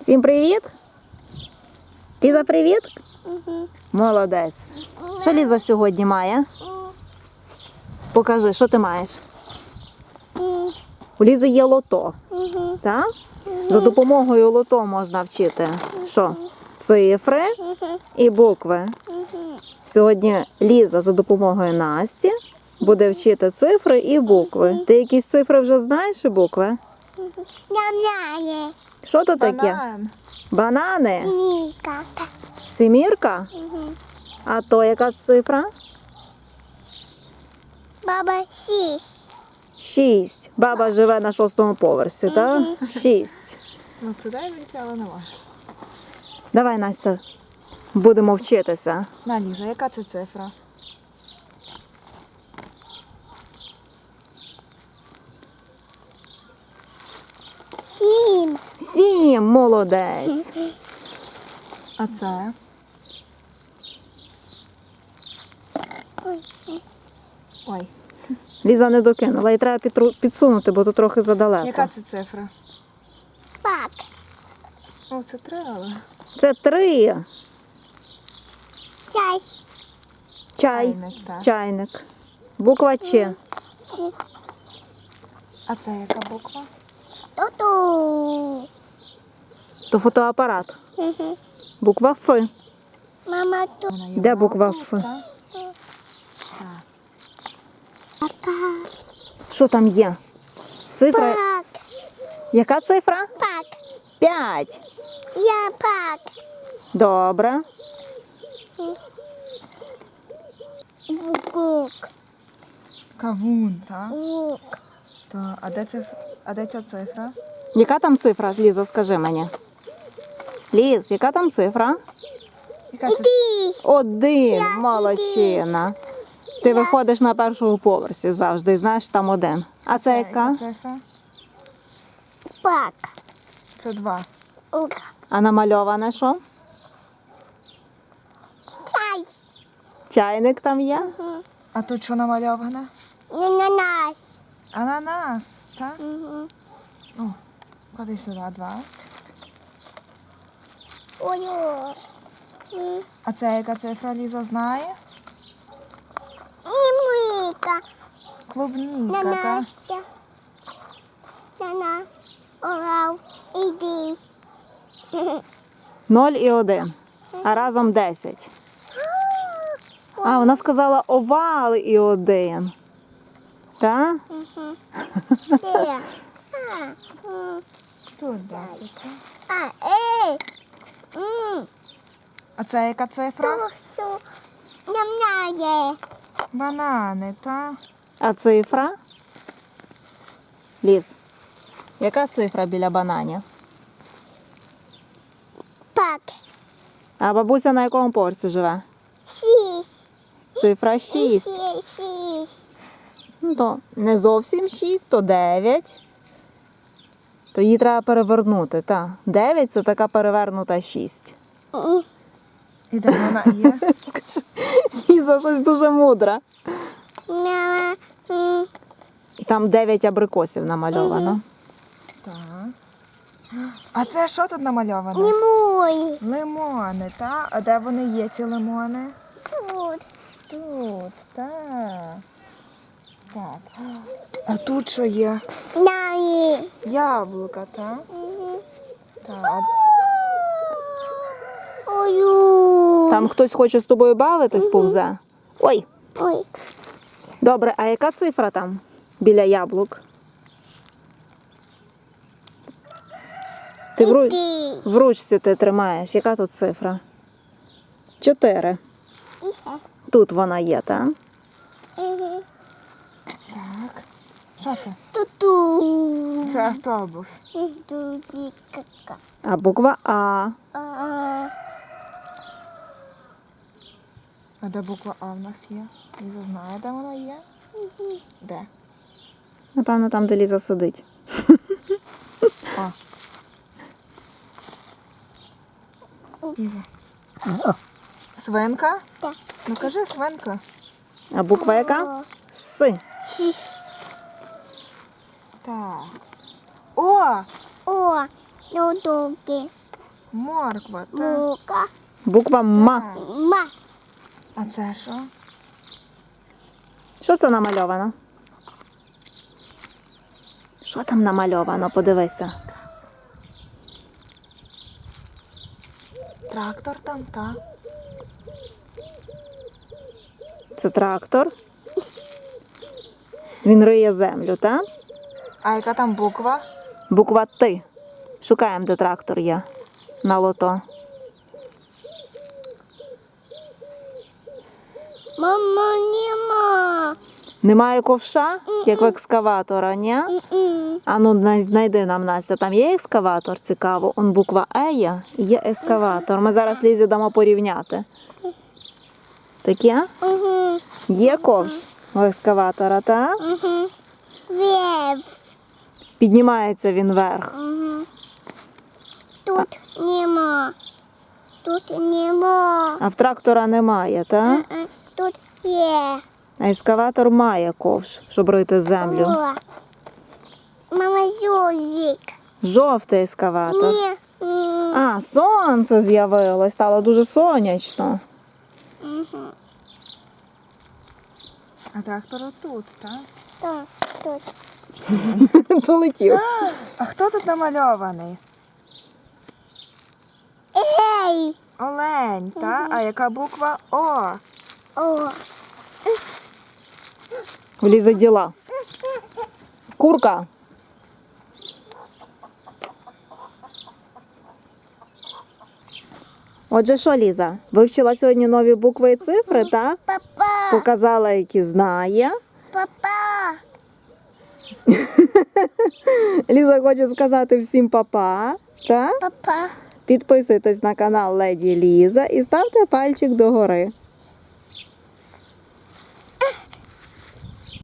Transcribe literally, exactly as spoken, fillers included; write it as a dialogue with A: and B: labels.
A: Всім привіт! Ліза, привіт!
B: Угу.
A: Молодець! Що Ліза сьогодні має? Покажи, що ти маєш? У Лізи є лото.
B: Угу.
A: Так? За допомогою лото можна вчити що? Цифри і букви. Сьогодні Ліза за допомогою Насті буде вчити цифри і букви. Ти якісь цифри вже знаєш і букви?
B: Ням-няє.
A: Що то таке?
C: Банан.
A: Банани?
B: Ніка.
A: Семірка? А то яка цифра?
B: Баба сісь.
A: Шість. Баба живе на шостому поверсі, так? Шість.
C: Ну це дай вийти, але не можна.
A: Давай, Настя, будемо вчитися.
C: На, Ліза, яка це цифра?
B: Сім.
A: Сім, молодець.
C: А це? Ой,
A: Ліза не докинула, і треба підру- підсунути, бо тут трохи задалеко.
C: яка це цифра?
B: Пак.
C: О, це треба.
A: Це три.
B: Чась.
A: Чай.
C: Чайник, так.
A: Чайник. Буква Ч.
C: А це яка буква?
B: Ту-ту.
A: То фотоапарат.
B: Угу.
A: Буква Ф.
B: Мама ту.
C: Вона є
A: Де буква
C: тут,
A: Ф?
C: так? Так.
B: Пака.
A: Що там є? Цифра.
B: Пак.
A: Яка цифра?
B: Пак.
A: П'ять.
B: Я пак.
A: Добре.
B: Гук.
C: Кавун, так?
B: Гук.
C: Так. А де це? А де ця цифра?
A: Яка там цифра, Ліза, скажи мені? Ліз, яка там цифра?
C: Яка це?
B: Іди.
A: Один, молодчина. Ти виходиш на першому поверсі завжди, і знаєш, там один. А це яка?
C: цифра?
B: Пак.
C: Це два.
B: Ук.
A: А намальоване що?
B: Чай.
A: Чайник там є?
C: А тут що намальоване?
B: Ананас.
C: Ананас, так?
B: Угу.
C: О, клади сюди два.
B: Ой-ой.
C: А це яка цифра, Ліза знає?
B: Немика.
C: Клубніка, так?
B: Нанася. Нана. Орав. Іди.
A: Ноль і один. А разом десять. А, вона сказала овал і один. Так?
B: Де? А, м.
C: Тут десять. так?
B: А, ей. М.
C: А це яка цифра?
B: Тосу. Ням-няє.
C: Банани, так?
A: А цифра? Ліз, яка цифра біля бананів?
B: Пак.
A: А бабуся на якому поверсі живе?
B: Сісь.
A: Цифра шість.
B: Сісь. Сісь.
A: Ну, то не зовсім шість, то дев'ять. То її треба перевернути, так. дев'ять – це така перевернута шість.
B: М.
C: І де вона є?
A: Скажи, Ліза щось дуже мудра.
B: Мама. М.
A: І там дев'ять абрикосів намальовано.
C: Так. А це що тут намальовано?
B: Не мой.
C: Лимони, так? А де вони є, ці лимони?
B: Тут.
C: Тут, так. Так. А тут що є?
B: Наї.
C: Яблука, так? Так. а-
B: Ой.
A: Там хтось хоче з тобою бавитись, повзе. Ой,
B: Ой.
A: добре, а яка цифра там біля яблук? Ти в, ру...
B: Іди.
A: в ручці ти тримаєш. Яка тут цифра? Чотири.
B: І ще.
A: Тут вона є, так?
B: Мгм.
C: Так. Що це?
B: Ту-ту.
C: Це автобус.
B: Ду-ді-ка-ка.
A: А буква А.
B: А.
C: А де буква А в нас є? Ліза знає, де вона є? Де?
A: Напевно, там, де Ліза сидить.
C: О. Ліза. Свинка?
B: Так.
C: Ну кажи свинка.
A: А буква яка? С.
B: Сі.
C: Так. О!
B: О. Ну-дуки.
C: Морква, так.
B: Бука.
A: Буква М.
B: Ма.
C: А це що?
A: Що це намальовано? Що там намальовано? Подивися.
C: Трактор там, так.
A: Це трактор. Він риє землю, так?
C: А яка там буква?
A: Буква Т. Шукаємо, де трактор є. На лото.
B: Мама, нема.
A: Немає ковша, як в екскаватора, ні?
B: М-м.
A: А ну най- знайди нам, Настя, там є екскаватор, цікаво. Он буква Е є, і є екскаватор. Ми зараз Лізі дамо порівняти. Таке?
B: Мгм.
A: Є ковш у екскаватора, так?
B: Мгм. Вверх.
A: Піднімається він вверх.
B: Мгм. Тут нема. Тут нема.
A: А в трактора немає, так?
B: Е-е. Тут є.
A: А екскаватор має ковш, щоб рити землю.
B: О. Мама, зюзик.
A: Жовтий екскаватор.
B: Ні. Ні.
A: А, сонце з'явилось, стало дуже сонячно.
B: Мгм.
C: А трактор отут, так?
B: Так, тут.
A: Долетів.
C: А хто тут намальований?
B: Ей!
C: Олень, так? А яка буква О?
B: О.
A: В Лізи діла. Курка. Отже, що, Ліза, вивчила сьогодні нові букви і цифри, так?
B: Папа.
A: Показала, які знає.
B: Папа.
A: Ліза хоче сказати всім па-па, так?
B: Папа.
A: Підписуйтесь на канал Леді Ліза і ставте пальчик догори.